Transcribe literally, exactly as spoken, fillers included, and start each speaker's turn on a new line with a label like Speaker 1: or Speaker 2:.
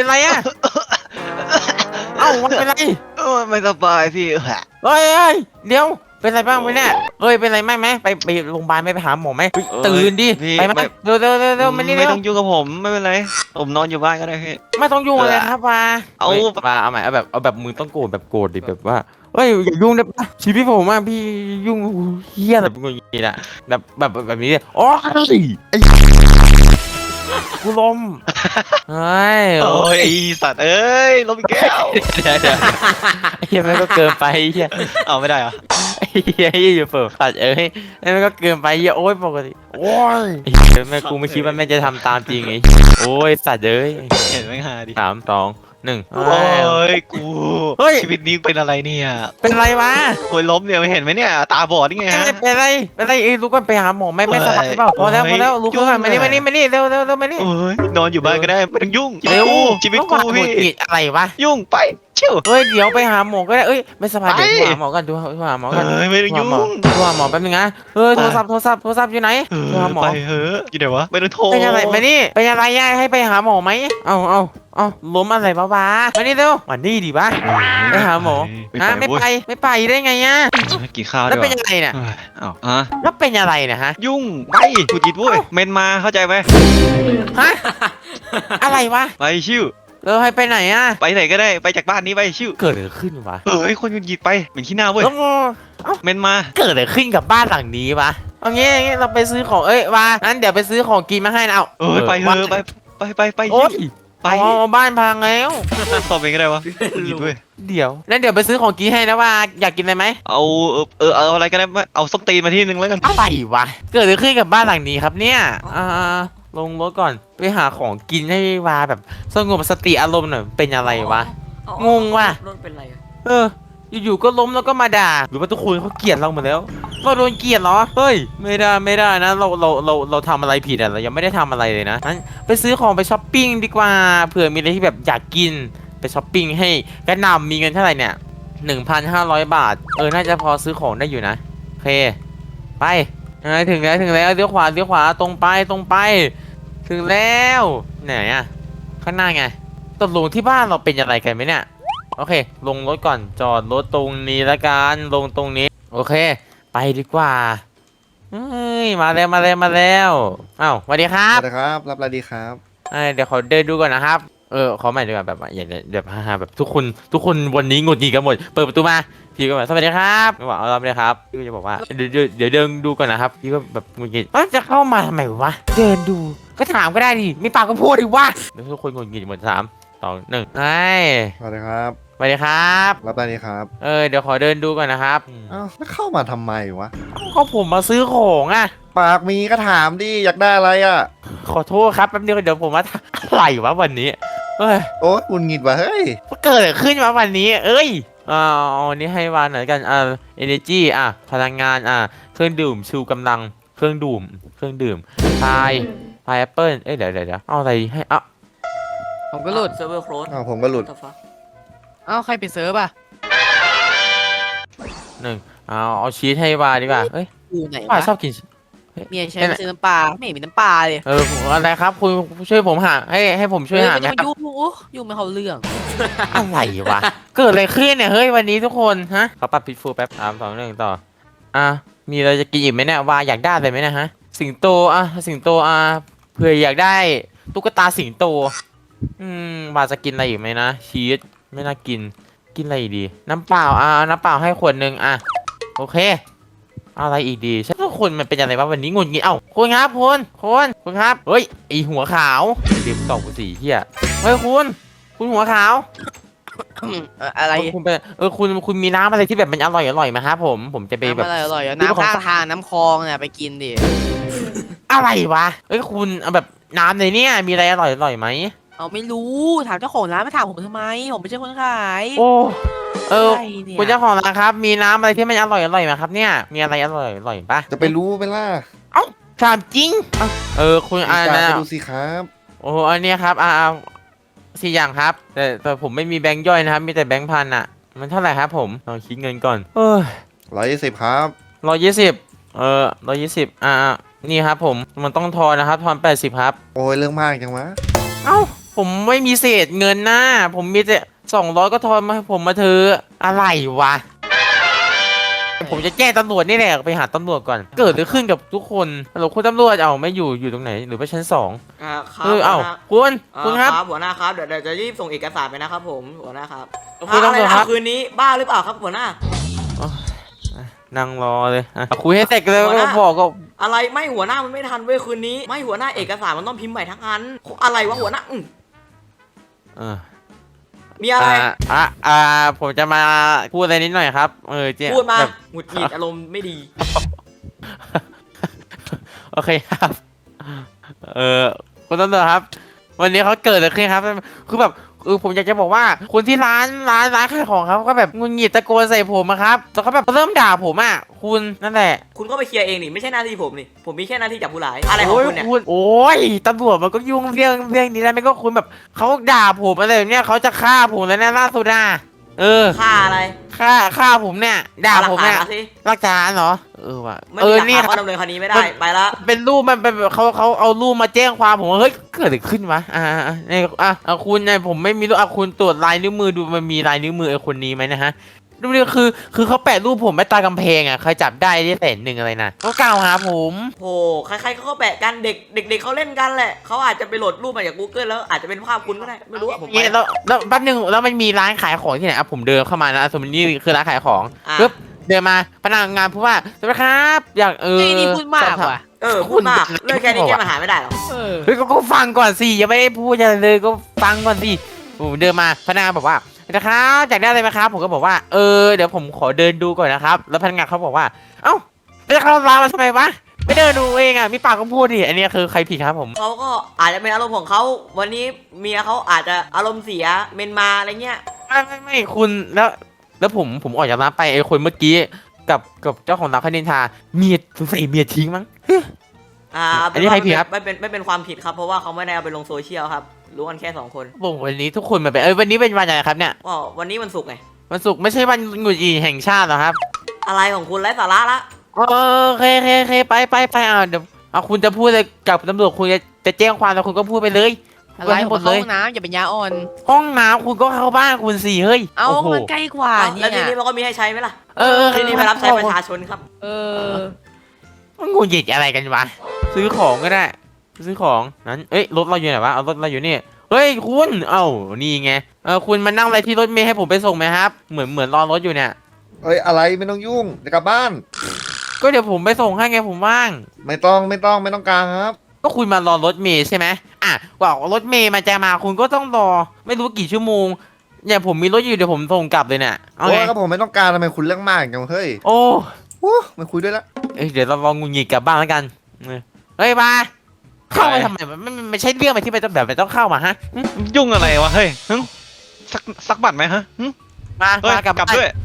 Speaker 1: เป็นไรอะเอ้ามันเป็นไร
Speaker 2: เออไม่สบายพี่
Speaker 1: เฮ้ยเดี๋ยวเป็นไรบ้างไหมเนี่ยเฮ้ยเป็นไรไหมไหมไปไปโรงพยาบาลไปหาหมอไหมตื่นดิไปไหมเร็วเร็วเร็วเร็วมานี่
Speaker 2: ไม่
Speaker 1: เร็ว
Speaker 2: ต้องยุ่งกับผมไม่เป็นไรผมนอนอยู่บ้านก็ได้พี่
Speaker 1: ไม่ต้องยุ่งเลยครับว่า
Speaker 2: เอา
Speaker 1: มาเอาใหม่เอาแบบเอาแบบมึงต้องโกรธแบบโกรธดิแบบว่าเฮ้ยอย่ายุ่งนะชีวิตผมอ่ะพี่ยุ่งเฮี้ยแบบงุนงี้นะแบบแบบแบบนี้โอ้ยกูล้มเฮ้ย
Speaker 2: โอ้ยสัตว์เอ้ยล้มแก้ว
Speaker 1: เดี๋ยวเดี๋ยวเฮียมันก็เกินไปเฮีย
Speaker 2: เอาไม่ได้เหรอ
Speaker 1: เฮียอยู่เปิดตัดเอ้ยมันก็เกินไปเฮียโอ้ยปกติโอ้ยแม่กูไม่คิดว่าแม่จะทำตามจริงไอ้โอ้ยสัตว์เอ้ย
Speaker 2: เห็นไหมฮะดิ
Speaker 1: สามสองหนึ่ง
Speaker 2: โอ้ยกูชีวิตนี้เป็นอะไรเนี่ย
Speaker 1: เป็นไรวะ
Speaker 2: คนล้มเนี่ยไม่เห็นไหมเนี่ยตาบอดนี่ไงฮะ
Speaker 1: เป็นไรเป็นไรเอ้ยลูกก็ไปหาหมอไม่ไม่สบายเปล่าพอแล้วพอแล้วลูกก็มานี่มานี่มานี่เร็วเร็วเร็วมานี่
Speaker 2: โอ้ยนอนอยู่บ้านก็ได้ไม่ต้องยุ่ง
Speaker 1: เร็ว
Speaker 2: ชีวิตกูพี่
Speaker 1: อะไรวะ
Speaker 2: ยุ่งไปเชี่ยว
Speaker 1: เฮ้ยเดี๋ยวไปหาหมอก็ได้เอ้ยไม่สบายเดี๋ยวหาหมอกันดูหาหมอกัน
Speaker 2: ไม่ต้องยุ่ง
Speaker 1: ดูหาหมอแป๊บนึงนะเออโทรศัพท์โทรศัพท์โทรศัพท์อยู่ไหนดูหาหมอ
Speaker 2: ไปเฮ้ยอยู่ไหนวะไม่ต้องโทร
Speaker 1: เป็นอะไรมานี่เป็นอะไรย่าให้ไปหาหมอไหมเอาเอาเอาล้มอะไรบ้าบ้ามานี่เร็วมานี่ดิบ้าไปหาหมอฮะไม่ไปไม่ไปได้ไงอ่ะ
Speaker 2: กินข้าว
Speaker 1: แล้วเป็นยังไงเนี่ย
Speaker 2: อ้าวฮะ
Speaker 1: แล้วเป็นอะไรเนี่ยฮะ
Speaker 2: ยุ่งไปกูจิตวุ้ยเมนมาเข้าใจไหม
Speaker 1: ฮะอะไรวะ
Speaker 2: ไปชิว
Speaker 1: เออให้ไปไหนอ่ะ
Speaker 2: ไปไหนก็ได้ไปจากบ้านนี้ไปชิว
Speaker 1: เกิดอะไรขึ้นวะ
Speaker 2: เอ้ยคนหงุดหงิดไปเหม็นขี้หน้าเว้ยเมนมา
Speaker 1: เกิดอะไรขึ้นกับบ้านหลังนี้วะเอางี้เราไปซื้อของเอ้ยวางั้นเดี๋ยวไปซื้อของกินมาให้นะเอา
Speaker 2: เออไปเถอะไปไปไปไป
Speaker 1: โอ้ยไปบ้านพังแล้ว
Speaker 2: ตอบเองก็ได้วะหยิบด้วย
Speaker 1: เดี๋ยวนั่นเดี๋ยวไปซื้อของกินให้นะว่าอยากกินอะไรไหม
Speaker 2: เอาเออเออเอาอะไรก็ได้เอาส้มตีนมาที่นึงแล้วกัน
Speaker 1: อะไรวะเกิดอะไรขึ้นกับบ้านหลังนี้ครับเนี่ยอ่าลงรถก่อนไปหาของกินให้วาแบบสงบสติอารมณ์หน่อยเป็นอะไรวะงงว่ะ
Speaker 3: รถเป็นไร
Speaker 1: เอออยู่ๆก็ล้มแล้วก็มาด่าหรือว่าทุกคนเขาเกลียดเราหมดแล้วเราโดนเกลียดเหรอเฮ้ยไม่ได้ไม่ได้นะเราเราเราเราทำอะไรผิดอ่ะเรายังไม่ได้ทำอะไรเลยนะงั้นไปซื้อของไปช้อปปิ้งดีกว่าเผื่อมีอะไรที่แบบอยากกินไปช้อปปิ้งให้กระหน่ำมีเงินเท่าไหร่เนี่ยหนึ่งพันห้าร้อยบาทเออน่าจะพอซื้อของได้อยู่นะโอเคไปถึงแล้วถึงแล้วเลี้ยวขวาเลี้ยวขวาตรงไปตรงไปถึงแล้วไหนอ่ะข้างหน้าไงตกลงที่บ้านเราเป็นอะไรกันไหมเนี่ยโอเคลงรถก่อนจอดรถตรงนี้ละกันลงตรงนี้โอเคไปดีกว่าเฮ้ยมาแล้วมาแล้วมาแล้วอ้าวสวัสดีครับ
Speaker 4: สวัสดีครับรับอะไรดีครับ
Speaker 1: เดี๋ยวขอเดินดูก่อนนะครับเออขอใหม่ดีกว่าแบบอย่างแบบฮ่าแบบทุกคนทุกคนวันนี้งดหงิดกันหมดเปิดประตูมาพี่ก็แบบสวัสดีครับไม่บอกเอาเราเลยครับพี่ก็จะบอกว่าเดี๋ยวเดี๋ยวเดินดูก่อนนะครับพี่ก็แบบงดหงิดจะเข้ามาทำไมวะเดินดูก็ถามก็ได้ดิไม่ปากก็พูดดิวะเดี๋ยวทุกคนงดหงิดหมดสามสองหนึ่งไอ้
Speaker 4: สวัสดีครับ
Speaker 1: สวัสดีครับ
Speaker 4: รับอะไรดีครับ
Speaker 1: เออเดี๋ยวขอเดินดูก่อนนะครับ
Speaker 4: อ้าวแล้วเข้ามาทำไมวะ
Speaker 1: ก็ผมมาซื้อของอ่ะ
Speaker 4: ปากมีก็ถามดิอยากได้อะไรอ่ะ
Speaker 1: ขอโทษครับแป๊บเดียวเดี๋ยวผมมาอะไรวะวันนี้เอ้ย
Speaker 4: โอ๊ยอุ่นหงิดวะเฮ้ย
Speaker 1: เกิดอะไรขึ้นมาวันนี้เอ้ยอ่าอันนี้ให้วานหน่อยกันอ่า energy อ่ะพลังงานอ่ะเครื่องดื่มชูกำลังเครื่องดื่มเครื่องดื่มพายพายแอปเปิ้ลเอ้ยเดี๋ยวเดี๋ยวเอาอะไรให้อ่ะ
Speaker 3: ผมก็หลุดเซิร์ฟเวอร์โคลส
Speaker 4: อ้าวผมก็หลุด
Speaker 3: เอ้าใครปิดเซิร์ฟอ่ะ
Speaker 1: หนึ่งเอาเอาชีสให้วาดีกว่าเอ้ย
Speaker 3: อยู่ไหน
Speaker 1: วาชอบกิน
Speaker 3: เมียใช้ซื้อน้ำปลาไม่มีน้ำปลาเลย
Speaker 1: เอออะไรครับคุณช่วยผมหาให้ให้ผมช่วยหาไหมครับ
Speaker 3: ยุ่งยุ่งไม่เขาเรื่อง
Speaker 1: อะไรวะเกิดอะไรขึ้นเนี่ยเฮ้ยวันนี้ทุกคนฮะเขาปรับพิทฟูแป๊บสามสองหนึ่งต่ออ่ะมีอะไรจะกินอีกไหมเนี่ยวาอยากได้อะไรไหมนะฮะสิงโตอ่ะสิงโตอ่ะเผื่ออยากได้ตุ๊กตาสิงโตอืมวาจะกินอะไรอีกไหมนะชีสไม่น่ากินกินอะไรดีน้ำเปล่าอ่ะน้ำเปล่าให้ขวดหนึ่งอ่ะโอเคอะไรอีกดีฉันว่าคนมันเป็นอะไรวะวันนี้งุนงี้เอ้าคุณครับคุณคุณคุณครับเฮ้ยไอหัวขาวเดี๋ยวตอบกูสีเฮียเฮ้ยคุณคุณหัวขาว
Speaker 3: อะไร
Speaker 1: คุณเป็นเออคุณคุณมีน้ำอะไรที่แบบมันอร่อยอร่อยไหมครับผมผมจะไปแบบ
Speaker 3: อร่อยน้ำข้างทางน้ำคลองเนี่ยไปกินดิ
Speaker 1: อะไรวะเอ้ยคุณเอาแบบน้ำในเนี้ยมีอะไรอร่อยอร่อยไหม
Speaker 3: เอาไม่รู้ถามเจ้าของร้านมาถามผมทำไมผมไม่ใช่คนขาย
Speaker 1: โอ้เออคุณเจ้าของร้านครับมีน้ำอะไรที่มันอร่อยอร่อยไหมครับเนี่ยมีอะไรอร่อยอร่อยปะ
Speaker 4: จะไปรู้ไหมล่ะ
Speaker 1: เอ้าถามจริงเออคุณอ่าน
Speaker 4: นะดูสิครับ
Speaker 1: โอ้อันนี้ครับอ่าสี่อย่างครับแต่แต่ผมไม่มีแบงค์ย่อยนะครับมีแต่แบงค์พันอ่ะมันเท่าไหร่ครับผมลองคิดเงินก่อนเออ
Speaker 4: ร้อยยี่สิบครับ
Speaker 1: ร้อยยี่สิบเออร้อยยี่สิบอ่านี่ครับผมมันต้องทอนนะครับทอนแปดสิบครับ
Speaker 4: โอ้ยเรื่องมากจังวะ
Speaker 1: เอ้าผมไม่มีเศษเงินนะผมมีแต่สองร้อยก็ทอนมาให้ผมมาเธอะอะไรวะผมจะแจ้งตำรวจนี่แหละไปหาตำรวจก่อนเกิดอะไรขึ้นกับทุกคนฮัลโหลคุณตำรวจเอาไม่อยู่อยู่ตรงไหนหรือว่าชั้นสอง
Speaker 5: อ่าครับ
Speaker 1: เออเอ้า
Speaker 5: หัวหน้
Speaker 1: คุณคุณครับ
Speaker 5: อ่าหัวหน้าครับเดี๋ยวเดี๋ยวจะรีบส่งเอกสารไปนะครับผมหัวหน้าครับ
Speaker 1: คุณตำรวจ
Speaker 5: อะไนะครับ
Speaker 1: บ
Speaker 5: คืนนี้บ้าหรือเปล่าครับหัวหน้า
Speaker 1: นั่งรอเลยอ่ะคุยให้เสร็จเลย
Speaker 5: หัวห
Speaker 1: ก็
Speaker 5: น้า
Speaker 1: บอกก็
Speaker 5: อะไรไม่หัวหน้ามันไม่ทันเว้ยคืนนี้ไม่หัวหน้าเอกสารมันต้องพิมพ์ใหม่ทั้งอันอะไรวะหัวหน้าอืม
Speaker 1: เออ
Speaker 5: มีอะไร
Speaker 1: อ่าอ่ะอ่าผมจะมาพูดอะไรนิดหน่อยครับเออเจ๊
Speaker 5: พูดมา
Speaker 1: แบบ
Speaker 5: หงุดหงิดอารมณ์ไม่ดี
Speaker 1: โอเคครับ เออคุณตำรวจครับ วันนี้เขาเกิดอะไรขึ้นครับ คือแบบเออผมอยากจะบอกว่าคนที่ร้านร้านร้านขายของครับก็แบบงุนหงิดตะโกนใส่ผมอะครับแล้วเขาแบบเริ่มด่าผมอะคุณนั่นแหละ
Speaker 5: คุณก็ไปเคลียร์เองนี่ไม่ใช่หน้าที่ผมนี่ผมมีแค่หน้าที่จับผู้ร้ายอะไรของ
Speaker 1: โอ้ย
Speaker 5: คุณเนี่ย
Speaker 1: คุณโอ้ยตำรวจมันก็ยุ่งเรื่องเรื่องนี้แล้วไม่ก็คุณแบบเขาด่าผมอะไรแบบเนี้ยเขาจะฆ่าผมแล้วเนี่ยล่าสุดอะเออ
Speaker 5: ค่าอะไร
Speaker 1: ฆ่าฆ่าผมเนี่ยด่า
Speaker 5: เอหลั
Speaker 1: ผ
Speaker 5: ก
Speaker 1: ม
Speaker 5: ฐาน
Speaker 1: เนี่ย
Speaker 5: มาสิ
Speaker 1: รักฐานเหรอเออว่ะ
Speaker 5: ไม่
Speaker 1: เอ
Speaker 5: มี
Speaker 1: อ
Speaker 5: หลัก
Speaker 1: นี่
Speaker 5: ฐาน
Speaker 1: ค
Speaker 5: ก็
Speaker 1: รับ
Speaker 5: ดำเนินคดีไม่ได้ไปละ
Speaker 1: เป็นรูปมันเป็นแบบเขาเขาเอารูปมาแจ้งความผมว่าเฮ้ยเกิดอะไรขึ้นวะอ่าอ่าอ่าเนี่ยอ่ะอ่ะคุณเนี่ยผมไม่มีรูปอ่ะคุณตรวจลายนิ้วมือดูมันมีลายนิ้วมือไอ้คนนี้ไหมนะฮะดูดิคือ คือเขาแปะรูปผมไว้ตากำแพงอ่ะใครจับได้ได้แสนหนึ่งอะไรนะเขากล่าวหาผม
Speaker 5: โหใครๆเขาก็แปะกันเด็กเด็กๆเขาเล่นกันแหละเขาอาจจะไปโหลดรูปมาจาก Google แล้วอาจจะเป็นภาพคุณก็ได้ไม่รู้อะผมไป
Speaker 1: เนี่ยแล้วแล้วแป๊บนึงแล้วมันมีร้านขายของที่ไหนอ่ะผมเดินเข้ามานะสมมตินี่คือร้านขายของ
Speaker 5: อ่ะ
Speaker 1: ปึ๊บเดินมาพนักงานพูดว่าสวัสดีครับ อยากเออ
Speaker 3: ไอ้นี่พูดมาก
Speaker 1: สอบถ
Speaker 3: ว่ะ
Speaker 5: เออพูดมากเรื่องแค่นี้แก้ปัญหาไม่ได้หรอ
Speaker 3: เออ
Speaker 1: เฮ้ยก็ก็ฟังก่อนสิยังไม่ได้พูดอะไรเลยก็ฟังก่อนสิผมเดินมาพนักงานบอกว่านะครับอยากได้อะไรไหมครับผมก็บอกว่าเออเดี๋ยวผมขอเดินดูก่อนนะครับแล้วพนักงานเขาบอกว่าเอ้าไปเข้าร้านมาทำไมวะไม่เดินดูเองอ่ะมีปากก็พูดดิอันนี้คือใครผิดครับผม
Speaker 5: เขาก็อาจจะเป็นอารมณ์ของเขาวันนี้เมียเขาอาจจะอารมณ์เสียเมนมาอะไรเงี้ย
Speaker 1: ไม่ไม่ไม่คุณแล้วแล้วผมผมออกจากร้านไปไอ้คนเมื่อกี้กับกับเจ้าของร้านคานินทาเมียสงสัยเมียทิ้งมั้ง
Speaker 5: อ่า
Speaker 1: อันนี้ใครผิดครับ
Speaker 5: ไม่เป็นไม่เป็นความผิดครับเพราะว่าเขาไม่ได้เอาไปลงโซเชียลครับรู้กันแค่สองคน
Speaker 1: ผมวันนี้ทุกคนมาเป็นเอ้ยวันนี้เป็นวันอะไรครับเนี่ย
Speaker 5: ก็วันนี้วันศุกร์ไง
Speaker 1: วันศุกร์ไม่ใช่วันหงุดหงิดแห่งชาติเหรอครับ
Speaker 5: อะไรของคุณไร้สาระละ
Speaker 1: เออโอเคโอเคโอเคไปไปไปอ่าเดี๋ยวเอาคุณจะพูดอะไรกับตำรวจคุณจะจะแจ้งความแล้วคุณก็พูดไปเลย
Speaker 3: อะไร
Speaker 1: ให้
Speaker 3: ผ
Speaker 1: หม
Speaker 3: ม
Speaker 1: ด
Speaker 3: เข้า
Speaker 1: เลย
Speaker 3: ห้องน้ำอย่าเป็นยาอ่อน
Speaker 1: ห้องน้ำคุณก็เข้าบ้านคุณสิเฮ้ย
Speaker 3: เอา
Speaker 1: โโห
Speaker 3: มันใกล้กว่า
Speaker 5: อ้าว
Speaker 3: เนี่
Speaker 5: แล้วที
Speaker 3: ย
Speaker 5: นี้มันก็มีให้ใช้ไหมล่ะ
Speaker 1: เออเออ
Speaker 5: ทีนี้ไปรับใช้ประชาชนครับ
Speaker 3: เออ
Speaker 1: มันหงุดหงิดอะไรกันวะซื้อของก็ได้ ซื้อของนั้นเอ้ยรถเราอยู่ไหนวะเอารถเราอยู่นี่เฮ้ยคุณเอ้านี่ไงเออคุณมานั่งอะไรที่รถเมล์ให้ผมไปส่งไหมครับ เหมือนเหมือนรอรถอยู่เนี่ย
Speaker 4: เอ้ยอะไรไม่ต้องยุ่งเดี๋ยวกลับบ้าน
Speaker 1: ก็เดี๋ยวผมไปส่งให้ไงผมว่าง
Speaker 4: ไม่ต้องไม่ต้องไม่ต้องการครับ
Speaker 1: ก็คุณมารอรถเมล์ใช่ไหมอ่ะกว่ารถเมล์มันจะมาคุณก็ต้องรอ ไม่รู้กี่ชั่วโมงเนี่ยผมมีรถอยู่เดี๋ยวผมส่งกลับเลยเนี่ยเอา
Speaker 4: โอ้
Speaker 1: ไง
Speaker 4: ยก็ผมไม่ต้องการทำไมคุณเรื่องมากจังเฮ้ย
Speaker 1: โอ้
Speaker 4: โอ้ไม่คุยด้วยละ
Speaker 1: เอ้ยเดี๋ยวเราลองงุนงิดกลับบ้านแล้วกันเออเฮ้ยมาเข้ามาทำไมมันไม่ไม่ใช่เรื่องอะไรที่มันต้องแบบมันต้องเข้ามาฮะหึ
Speaker 2: ยุ่งอะไรวะเฮ้ยหึสักสักบัตรไหมฮะหึ
Speaker 1: มา
Speaker 2: เฮ้ย
Speaker 1: มากลับ
Speaker 2: กลับ
Speaker 1: บ้าน
Speaker 2: ด้วย